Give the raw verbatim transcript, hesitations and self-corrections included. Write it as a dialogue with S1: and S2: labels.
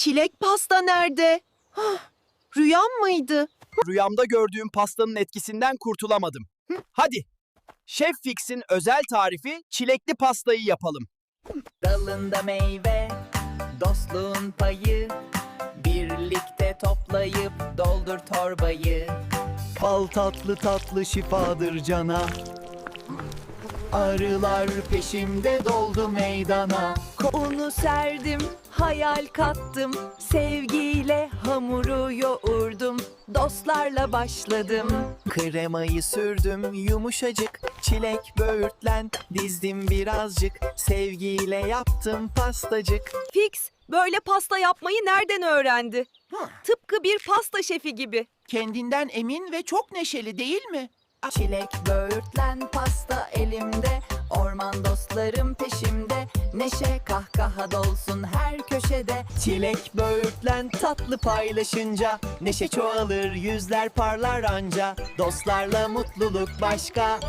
S1: Çilek pasta nerede? Hah, rüyam mıydı?
S2: Rüyamda gördüğüm pastanın etkisinden kurtulamadım. Hadi, Şef Fix'in özel tarifi çilekli pastayı yapalım.
S3: Dalında meyve, dostluğun payı, birlikte toplayıp doldur torbayı.
S4: Bal tatlı tatlı şifadır cana. Arılar peşimde doldu meydana.
S1: Unu serdim, hayal kattım. Sevgiyle hamuru yoğurdum. Dostlarla başladım.
S4: Kremayı sürdüm yumuşacık. Çilek böğürtlen dizdim birazcık. Sevgiyle yaptım pastacık.
S1: Fix, böyle pasta yapmayı nereden öğrendi? Tıpkı bir pasta şefi gibi.
S5: Kendinden emin ve çok neşeli değil mi?
S3: Çilek böğürtlen pasta elimde, orman dostlarım peşimde. Neşe kahkaha dolsun her köşede.
S4: Çilek böğürtlen tatlı paylaşınca neşe çoğalır yüzler parlar anca. Dostlarla mutluluk başka.